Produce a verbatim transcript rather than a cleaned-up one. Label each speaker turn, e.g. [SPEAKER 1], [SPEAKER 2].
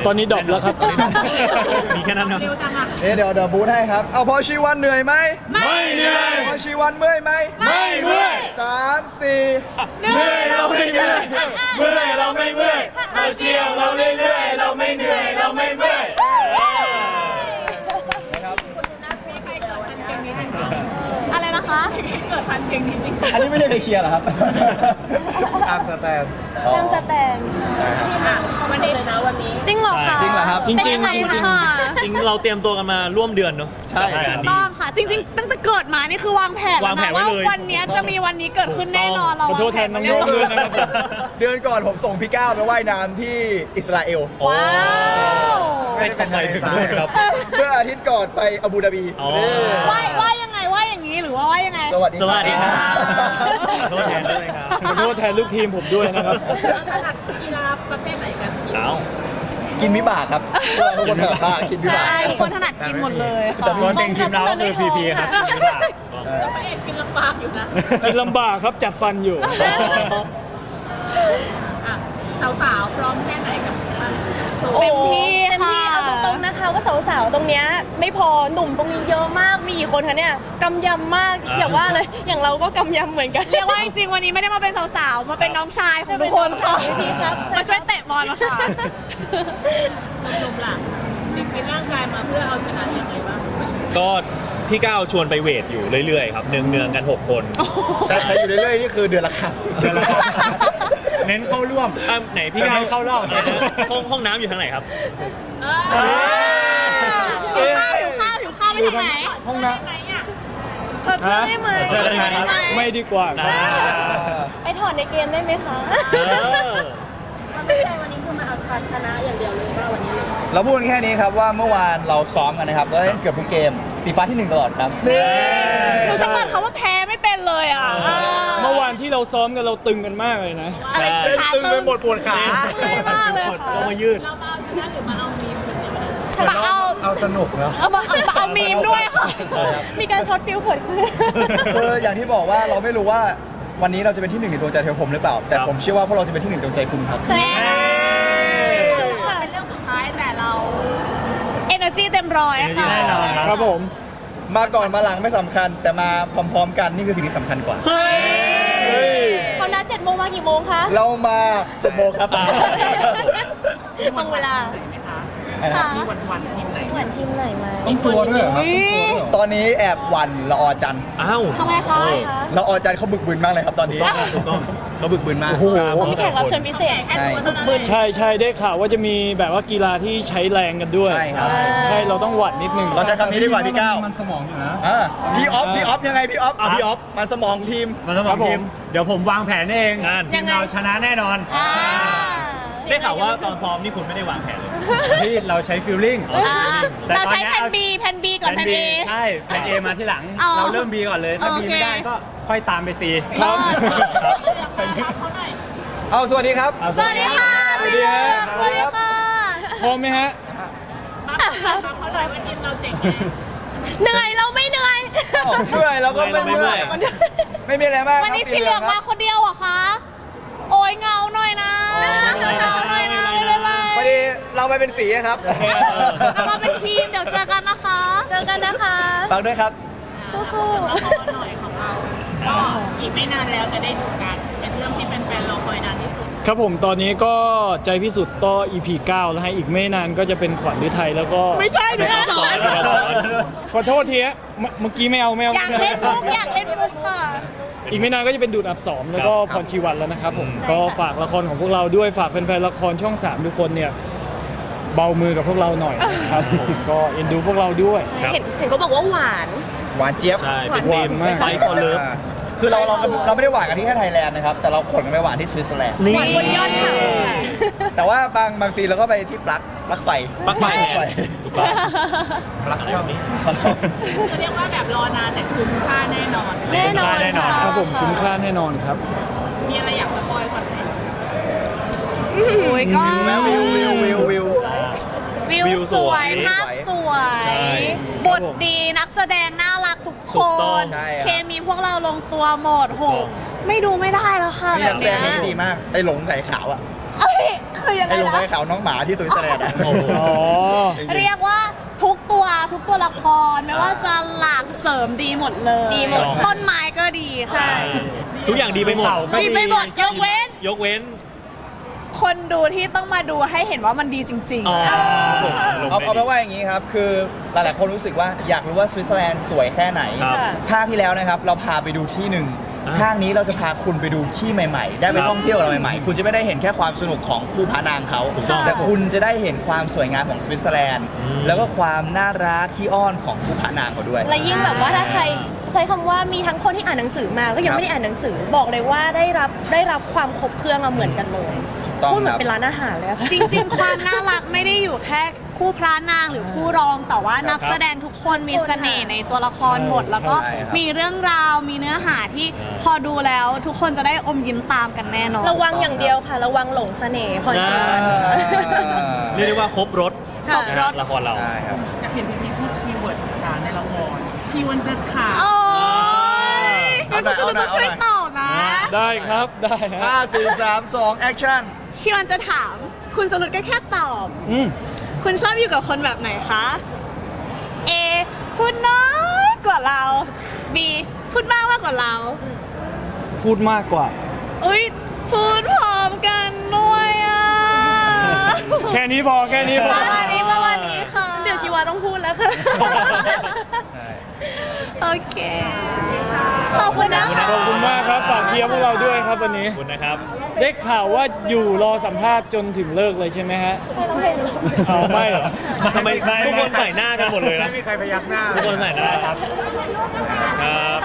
[SPEAKER 1] ตอนนี้ดรอปแล้วครับ
[SPEAKER 2] มีแค่นั้นเนาะ
[SPEAKER 3] เอ๊ะเดี๋ยวเดี๋ยวบูธให้ครับเอาพอชีวันเหนื่อยไหม
[SPEAKER 2] ไม่เหนื่อย
[SPEAKER 3] พอชีวันเมื่อยไหม
[SPEAKER 2] ไม่เมื่อย
[SPEAKER 3] สามสี่
[SPEAKER 2] เมื่อยเราไม่เมื่อยเมื่อยเราไม่เมื่อยเราเชียร์เราเรื่อยๆเราไม่เหนื่อยเราไม่เมื่อย
[SPEAKER 4] อะไรนะคะเกิดทันเก่งจริงๆ
[SPEAKER 3] อันนี้ไม่ใช่เพลงเชียร์เหรอครับตามสแตน
[SPEAKER 4] ตามสแตน
[SPEAKER 3] ใช่ครับ
[SPEAKER 4] วันนี้เลยนะวันนี้จริงเหรอคะ
[SPEAKER 3] จริงเหรอครับ
[SPEAKER 1] จริงจริงจริง
[SPEAKER 2] จริงเราเตรียมตัวกันมาร่วมเดือนเนาะ
[SPEAKER 3] ใช่
[SPEAKER 4] ต้องค่ะจริงๆตั้งแต่เกิดมานี่คือวางแผนแล้วนะว่าวันนี้จะมีวันนี้เกิดขึ้นแน่นอนเรา
[SPEAKER 1] ขอโทษแทนน้องๆด้วยนะครับ
[SPEAKER 3] เดือนก่อนผมส่งพี่ก้าวไปว่ายน้ำที่อิสราเอล
[SPEAKER 4] ว้าว
[SPEAKER 2] ไม่ทำไมถึงด้วยครับ
[SPEAKER 3] เมื่ออาทิตย์ก่อนไปอาบูดาบี
[SPEAKER 4] ว่ายว่ายยังไงว่ายอย่างนี้หรือว่าว่ายยังไง
[SPEAKER 3] สวัสดี
[SPEAKER 2] สวัสดีครับขอโทษแทนด้วยครับ
[SPEAKER 1] ขอโทษแทนลูกทีมผมด้วยนะครับ
[SPEAKER 4] ถนัดกีฬาประเภทไหนกัน
[SPEAKER 2] เอา
[SPEAKER 3] กินวิบากครับทุกคนถนัดมากกินวิบาก
[SPEAKER 4] ใช่คนถนัดกินหมดเลยค่ะ
[SPEAKER 1] แต่ตัวเต็งทีมเราก็คือพีพีครับ
[SPEAKER 4] แล้วพระเอกกินลำบากอยู่นะ
[SPEAKER 1] กินลำบากครับจัดฟันอยู่
[SPEAKER 4] สาวๆพร้อมแค่ไหนกับ
[SPEAKER 5] เต็มที่ค่ะเอาตรงๆนะคะว่าสาวๆตรงเนี้ยไม่พอหนุ่มตรงนี้เยอะมากมีกี่คนคะเนี่ยกำยำมากอย่าว่าเลยอย่างเราก็กำยำเหมือนกัน
[SPEAKER 4] เรียกว่าจริงๆวันนี้ไม่ได้มาเป็นสาวๆมาเป็นน้องชายของทุกคนค่ะมาช่วยเตะบอลมาค่ะหนุ่มๆล่ะจริงๆร่างกายมาเพื่อเอาชนะยังไงบ้าง
[SPEAKER 2] ก็พี่ก้าวชวนไปเวทอยู่เรื่อยๆครับเนืองๆกันหกคน
[SPEAKER 3] ใช่อยู่เรื่อยๆนี่คือเดือนละครั้ง
[SPEAKER 1] เน้นเข้าร่วม
[SPEAKER 2] ไหนพี่ก้าว
[SPEAKER 1] เข้ารอบ
[SPEAKER 2] ห้องห้องน้ำอยู่ทางไหนครับ
[SPEAKER 4] หิวข้าวหิวข้าวหิวข้าวไปทางไหน
[SPEAKER 1] ห้องน้ำ
[SPEAKER 5] ถอดเสื้อได้ไหม
[SPEAKER 1] ไม่ดีกว่า
[SPEAKER 5] ไปถอดในเกมได้ไหมคะไม่ใช่วันนี้คือมาเอาชนะอย่างเดียวเลยว่าวันนี้
[SPEAKER 3] เราพูดแค่นี้ครับว่าเมื่อวานเราซ้อมกันนะครับเราเล่นเกือบทุกเกมสีฟ้าที่หนึ่งตลอดครับ
[SPEAKER 4] หนูสะกดเขาว่าแพ้ไม่เป็นเลยอ่ะ
[SPEAKER 1] เมื่อวานที่เราซ้อมกันเราตึงกันมากเลยนะ
[SPEAKER 4] อะไรขา
[SPEAKER 3] ตึงไปหมดปวดขา
[SPEAKER 4] ไม่มากเลยค่ะ
[SPEAKER 2] เรามายืด
[SPEAKER 4] เรามาเอาชนะหรือมาเอามีมมาเอา
[SPEAKER 3] เอาสนุกแล้ว
[SPEAKER 4] เอามาเอาเอามีมด้วยค่ะ
[SPEAKER 5] มีการช็อตฟิลเกิดขึ้น
[SPEAKER 3] คืออย่างที่บอกว่าเราไม่รู้ว่าวันนี้เราจะเป็นที่หนึ่งในดวงใจเทวผมหรือเปล่าแต่ผมเชื่อว่าพวกเราจะเป็นที่หนึ่งในดวงใจคุณครับ
[SPEAKER 4] ใช่เป็นเรื่องสุดท้ายแต่เรา energy เต็มร้อยค่ะ
[SPEAKER 1] ครับผม
[SPEAKER 3] มาก่อนมาหลังไม่สำคัญแต่มาพร้อมๆกันนี่คือสิ่งที่สำคัญกว่า
[SPEAKER 5] เขานัดเจ็ดโมงมากี่โมงคะ
[SPEAKER 3] เรามาเจ็ดโมงครับ
[SPEAKER 5] ตรงเวลาค่ะมีวันวันทีมไหนวันทีมไหนไหม
[SPEAKER 3] ต้องตัวด้วยครับตอนนี้แอบหวั่นละออจัน
[SPEAKER 2] อ้าว
[SPEAKER 4] ทำไมคะ
[SPEAKER 3] ละออจันเขาบึกบึนมากเลยครับตอนนี้
[SPEAKER 2] ถูกต้องเขาบึกบึนมาก
[SPEAKER 5] มีแขกรับเชิญพิเศษ
[SPEAKER 4] บึกบึน
[SPEAKER 1] ใช่ใช่ได้ข่าวว่าจะมีแบบว่ากีฬาที่ใช้แรงกันด้วย
[SPEAKER 3] ใช่ครับ
[SPEAKER 1] ใช่เราต้องหวั่นนิดนึง
[SPEAKER 3] เราใช้คำนี้ดีกว่าพี่ก้าว
[SPEAKER 1] มันสมองอยู่นะ
[SPEAKER 3] พี่ออฟพี่ออฟยังไงพี่ออฟ
[SPEAKER 2] พี่ออฟ
[SPEAKER 3] มันสมองทีม
[SPEAKER 1] มันสมองทีมเดี๋ยวผมวางแผนเองทีมเราชนะแน่นอน
[SPEAKER 2] ได้ข่าวว่าตอนซ้อมนี่คุณไม่ได้วางแผนเลย
[SPEAKER 1] ที่เราใช้ฟิลลิ่ง
[SPEAKER 4] เราใช้แผน B แผน B ก่อนแผน A
[SPEAKER 1] ใช่แผน A มาที่หลังเราเริ่ม B ก่อนเลยถ้า B ไม่ได้ก็ค่อยตามไป C
[SPEAKER 4] ครับ
[SPEAKER 3] เอาสวัสดีครับ
[SPEAKER 4] สวัสดีค่ะสวัสดีค่ะสวัสดีค่ะ
[SPEAKER 1] พร้อมไหมฮะ
[SPEAKER 4] เขาเลยวันนี้เราเจ๋งเหนื่อยเราไม่เหนื่อย
[SPEAKER 3] เหนื่อยเราก็ไม่เหนื่อยไม่มีอะไรมาก
[SPEAKER 4] วันนี้สีเหลืองมาคนเดียวเหรอคะโอ้ยเงาหน่อยนะเงาหน่อยนะไม่เป็นไร
[SPEAKER 3] พอดีเราไปเป็นสีครับ
[SPEAKER 4] เรามาเป็นทีมเดี๋ยวเจอกันนะคะ
[SPEAKER 5] เจอกันนะคะ
[SPEAKER 3] ฝากด้วยครับ
[SPEAKER 4] สู้ๆละครหน่อยของเราก็อีกไม่นานแล้วจะได้ดูกันเป็นเรื่องที่แฟนๆรอคอยนานที่สุด
[SPEAKER 1] ครับผมตอนนี้ก็ใจพิสุทธิ์ต่อ อี พี เก้าแล้วให้อีกไม่นานก็จะเป็นขวัญฤทัยแล้วก็
[SPEAKER 4] ไม่ใช่ดูนะ
[SPEAKER 1] ขอโทษทีเมื่อกี้ไม่เอาไม่เอา
[SPEAKER 4] อยากเล่นมุกอยากเล่นมุกค่ะ
[SPEAKER 1] อีกไม่นานก็จะเป็นดูดอับสองแล้วก็พรชีวันแล้วนะครับผมก็ฝากละครของพวกเราด้วยฝากแฟนๆละครช่องสามทุกคนเนี่ยเบามือกับพวกเราหน่อยนะครับผมก็เอ็นดูพวกเราด้วย
[SPEAKER 5] เห็นเห็นก็บอกว่าหวาน
[SPEAKER 3] หวานเจี๊ยบ
[SPEAKER 2] ใช่เป็นทีมไฟคอเลิฟ
[SPEAKER 3] คือเราเราเราไม่ได้หวานกันที่แค่ไทยแลนด์นะครับแต่เราขนกันไปหวานที่สวิตเซอร์แลนด์
[SPEAKER 5] หวานบนยอดเขา
[SPEAKER 3] แต่ว่าบางบางซีเราก็ไปที่ปลั๊กปลั๊กไฟ
[SPEAKER 2] ปลั๊กไฟถูกต้อง
[SPEAKER 3] ปลั๊กช่องนี้ปลั๊กช่อง
[SPEAKER 4] เรียกว่าแบบรอนานแต่คุ้มค่าแน่นอน
[SPEAKER 5] แน่นอน
[SPEAKER 1] แน่นอนครับผมคุ้มค่าแน่นอนครับ
[SPEAKER 4] มีอะไรอยากสปอยก่อนไหมโอ้ยก็
[SPEAKER 3] วิววิววิววิว
[SPEAKER 4] วิวสวยภาพสวยบทดีนักแสดงน่ารักทุกคนเคมีพวกเราลงตัวหมดโหไม่ดูไม่ได้แล้วค่ะแบบนี้
[SPEAKER 3] นักแสดงดีมากไอ้หลงไก่ขาวอ่ะ
[SPEAKER 4] เอ้ยใครคือยังไง
[SPEAKER 3] ไอ้ลง
[SPEAKER 4] นะ
[SPEAKER 3] ไปเขาน้องหมาที่สวิตเซอร์แลนด์อะ
[SPEAKER 2] โอ้โห
[SPEAKER 1] อ๋อ
[SPEAKER 4] เรียกว่าทุกตัวทุกตัวละครไม่ว่าจะหลากเสริมดีหมดเลย
[SPEAKER 5] ดีหมด
[SPEAKER 4] ต้นไม้ก็ดีค่ะ
[SPEAKER 2] ทุกอย่างดีไปหมด
[SPEAKER 1] เขาก็
[SPEAKER 4] ดีไปหมดยกเว้น
[SPEAKER 2] ยกเว้น
[SPEAKER 4] คนดูที่ต้องมาดูให้เห็นว่ามันดีจริง
[SPEAKER 2] อ๋อ
[SPEAKER 3] เอาเอาไปนว่าอย่างนี้ครับ คือหลายๆคนรู้สึกว่าอยากรู้ว่าสวิตเซอร์แลนด์สวยแค่ไหน
[SPEAKER 2] ครับ
[SPEAKER 3] ภาคที่แล้วนะครับเราพาไปดูที่หนึ่ง
[SPEAKER 2] อ่า
[SPEAKER 3] ภาคนี้เราจะพาคุณไปดูที่ใหม่ๆ ได้ไป
[SPEAKER 2] ครับ
[SPEAKER 3] ท่องเที่ยวอะไรใหม่ๆ คุณจะไม่ได้เห็นแค่ความสนุกของคู่พระนางเขา
[SPEAKER 2] ถูกต้อง
[SPEAKER 3] แต่คุณจะได้เห็นความสวยงามของสวิตเซอร์แลนด์
[SPEAKER 2] อืม
[SPEAKER 3] แล้วก็ความน่ารักขี้อ้อนของคู่พระนางเขาด้วย
[SPEAKER 5] และยิ่งแบบว่าถ้าใครใช้คำว่ามีทั้งคนที่อ่านหนังสือมาก็ยังไม่ได้อ่านหนังสือบอกเลยว่าได้รับได้รับความครบเครื่องมาเหมือนกันเลย
[SPEAKER 3] ต้อง
[SPEAKER 5] พูดเหมือ
[SPEAKER 3] ครั
[SPEAKER 5] น
[SPEAKER 3] บ
[SPEAKER 5] เป็นร้านอาหารเลยอะค่ะ
[SPEAKER 4] ๆ จริง ๆ ความน่ารักไม่ได้อยู่แค่คู่พระนางหรือคู่รอง แต่ว่านักแสดงทุกคนมีเสน่ห์ในตัวละครหมด แล้วก็
[SPEAKER 3] ใช่ครับ
[SPEAKER 4] มีเรื่องราวมีเนื้อหาที่พอดูแล้วทุกคนจะได้อมยิ้มตามกันแน่นอน
[SPEAKER 5] ระวังอย่างเดียวค่ะ ระวังหลงเสน่ห์พรชีวัน
[SPEAKER 2] เรียกได้ว่าครบรถ
[SPEAKER 4] ครบรส
[SPEAKER 2] ละครเรา
[SPEAKER 3] ใช่ครับ
[SPEAKER 6] จะเห็นพี่พีพูดคีย์เวิร์ดต่างๆในละครชีวันจะถาม
[SPEAKER 4] โอ้ย
[SPEAKER 3] เอา
[SPEAKER 4] งั้น
[SPEAKER 3] หน่
[SPEAKER 4] คุ
[SPEAKER 3] อย
[SPEAKER 4] ณจะต้อง
[SPEAKER 3] เอาหน่อย
[SPEAKER 4] ช่วยตอบนะ
[SPEAKER 1] ได้ครับได้ฮะ
[SPEAKER 3] ห้าสี่สามสองแอคชั่น
[SPEAKER 4] ชิวันจะถาม คุณสรุปก็แค่ตอบ
[SPEAKER 1] อืม
[SPEAKER 4] คุณชอบอยู่กับคนแบบไหนคะ A พูดน้อยกว่าเรา B พูดมากมากกว่าเรา
[SPEAKER 1] พูดมากกว่า
[SPEAKER 4] อุ้ยพูดพร้อมกันด้วยอ่ะ
[SPEAKER 1] แค่นี้พอแค่นี้พ
[SPEAKER 4] ป
[SPEAKER 1] อ
[SPEAKER 4] ระมาณนี้ประมาณนี้ค่ะ
[SPEAKER 5] เดี๋ยวชีวาต้องพูดแล้วค่ะ
[SPEAKER 4] โอเค ขอบคุณนะคะ
[SPEAKER 1] ขอบคุณมากครับฝากเชียร์พวกเราด้วยครับวันนี้
[SPEAKER 2] ขอบคุณนะครับ
[SPEAKER 1] ได้ข่าวว่าอยู่รอสัมภาษณ์จนถึงเลิกเลยใช่ไหมฮะเอาไม่เหรอ
[SPEAKER 2] ทำไมทุกคนใส่หน้ากันหมดเลยนะ
[SPEAKER 3] ไม่มีใครพยักหน้า
[SPEAKER 2] ทุกคนใส่หน้าครับครับ